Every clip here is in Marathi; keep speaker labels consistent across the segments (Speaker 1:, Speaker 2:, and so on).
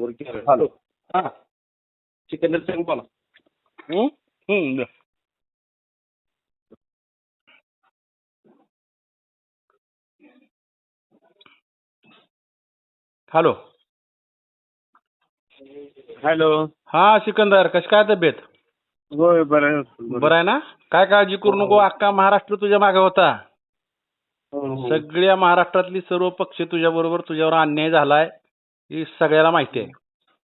Speaker 1: हॅलो हां सिकंदर सिंग बोला.
Speaker 2: द्या. हॅलो.
Speaker 1: हॅलो.
Speaker 2: हा सिकंदर, कशी काय तब्येत?
Speaker 1: होय बरं आहे.
Speaker 2: बरं आहे ना? काय काळजी करू नको, अख्खा महाराष्ट्र तुझ्या मागे होता. सगळ्या महाराष्ट्रातली सर्व पक्ष तुझ्या बरोबर, तुझ्यावर अन्याय झालाय ही सगळ्याला माहिती आहे.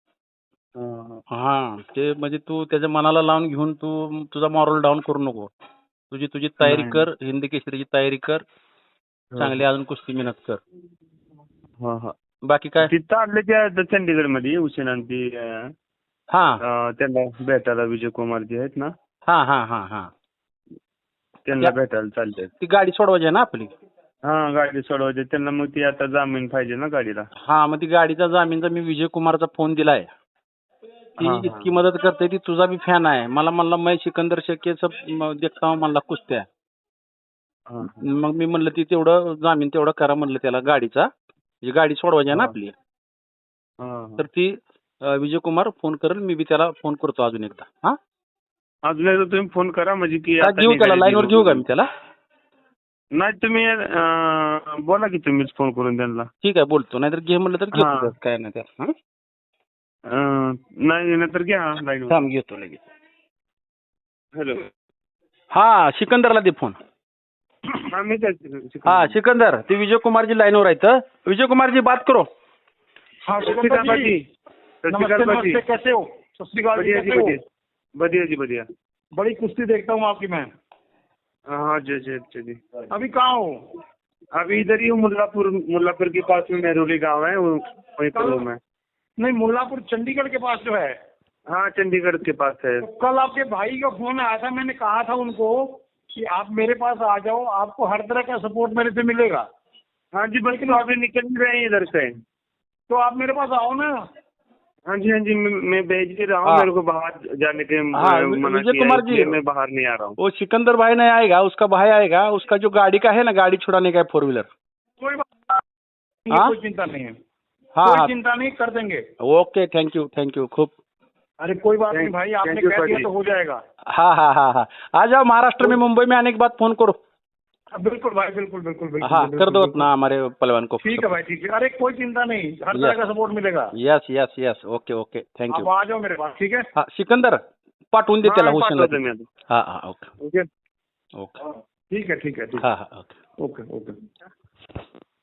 Speaker 2: हा ते म्हणजे तू त्याच्या मनाला लावून घेऊन तू तुझा मॉरल डाऊन करू नको. तुझी तुझी तयारी कर, हिंदी केसरीची तयारी कर, चांगली अजून कुस्ती मेहनत कर. बाकी काय
Speaker 1: तिथं आले त्या चंदीगड मध्ये हुसेनांती त्यांना भेटायला विजय कुमार जे आहेत ना,
Speaker 2: हा हा हा हा
Speaker 1: त्यांना भेटायला चालते.
Speaker 2: ती गाडी सोडवायची आहे ना आपली.
Speaker 1: हा गाडी सोडवायची त्यांना, मग ती आता जामीन पाहिजे ना गाडीला.
Speaker 2: हा मग ती गाडीचा जामीनचा मी विजय कुमारचा फोन दिलाय. ती इतकी मदत करते, ती तुझा बी फॅन आहे. मला म्हणला मैं सिकंदर शेखेचं देखता हूं म्हणला कुस्त्या. मग मी म्हणलं ती तेवढं जामीन तेवढं करा म्हणलं त्याला गाडीचा, गाडी सोडवायची आहे ना आपली. तर ती विजय कुमार फोन करेल, मी बी त्याला फोन करतो अजून एकदा. हा
Speaker 1: अजून एकदा तुम्ही फोन करा म्हणजे की
Speaker 2: घेऊ त्याला लाईनवर घेऊ का मी त्याला?
Speaker 1: नाही तुम्ही बोला की तुम्हीच फोन करून त्यांना.
Speaker 2: ठीक आहे बोलतो, नाहीतर घे म्हणलं तर घेतो, काय नाही त्याला.
Speaker 1: नाही नंतर घ्या लाईन.
Speaker 2: थांब घेतो लगेच.
Speaker 1: हॅलो.
Speaker 2: हा सिकंदरला दे फोन. हाँ सिकंदर, ते विजय कुमार जी लाइनवर आहेत. विजय कुमार जी बात करो.
Speaker 3: हाँ सिकंदर जी, नमस्ते, कैसे हो? सत श्री अकाल जी, कैसे हो?
Speaker 1: बढ़िया जी बढ़िया.
Speaker 3: बड़ी कुश्ती देखता हूँ आपकी मैं.
Speaker 1: हाँ जी जी जी.
Speaker 3: अभी कहाँ हो?
Speaker 1: अभी इधर ही हूँ, मुल्लापुर के पास में मेहरोली गांव है, वहीं पर हूँ मैं.
Speaker 3: नहीं, मुल्लापुर चंडीगढ़ के पास जो है.
Speaker 1: हाँ चंडीगढ़ के पास है.
Speaker 3: तो कल आपके भाई का फोन आया था, मैंने कहा था उनको कि आप मेरे पास आ जाओ, आपको हर तरह का सपोर्ट मेरे से मिलेगा.
Speaker 1: हाँ जी, बल्कि अभी निकल ही रहे हैं इधर से.
Speaker 3: तो आप मेरे पास आओ ना.
Speaker 1: हाँ जी मैं भेज ही रहा हूँ. मेरे को बाहर जाने के मना
Speaker 2: विजय कुमार जी,
Speaker 1: मैं बाहर नहीं आ रहा हूँ.
Speaker 2: वो सिकंदर भाई नहीं आएगा, उसका भाई आएगा. उसका जो गाड़ी का है ना, गाड़ी छुड़ाने का है 4 व्हीलर.
Speaker 3: कोई बात नहीं, कोई चिंता नहीं है. कोई चिंता नहीं, कर देंगे.
Speaker 2: ओके, थैंक यू खूब.
Speaker 3: अरे कोई बात नहीं भाई, आपने कह दिया तो हो जाएगा.
Speaker 2: हाँ आ जाओ महाराष्ट्र में, मुंबई में आने के बाद फोन करो.
Speaker 3: बिल्कुल भाई, बिल्कुल.
Speaker 2: हाँ कर दो अपना हमारे पहलवान को.
Speaker 3: ठीक है भाई, ठीक है. अरे कोई चिंता नहीं, हर तरह का सपोर्ट मिलेगा.
Speaker 2: Yes okay thank you.
Speaker 3: आप आ जाओ मेरे पास. ठीक है.
Speaker 2: हाँ सिकंदर पाठवून दे त्याला हुसेनला. हाँ ओके.
Speaker 3: ठीक है.
Speaker 2: हाँ ओके.
Speaker 3: ओके.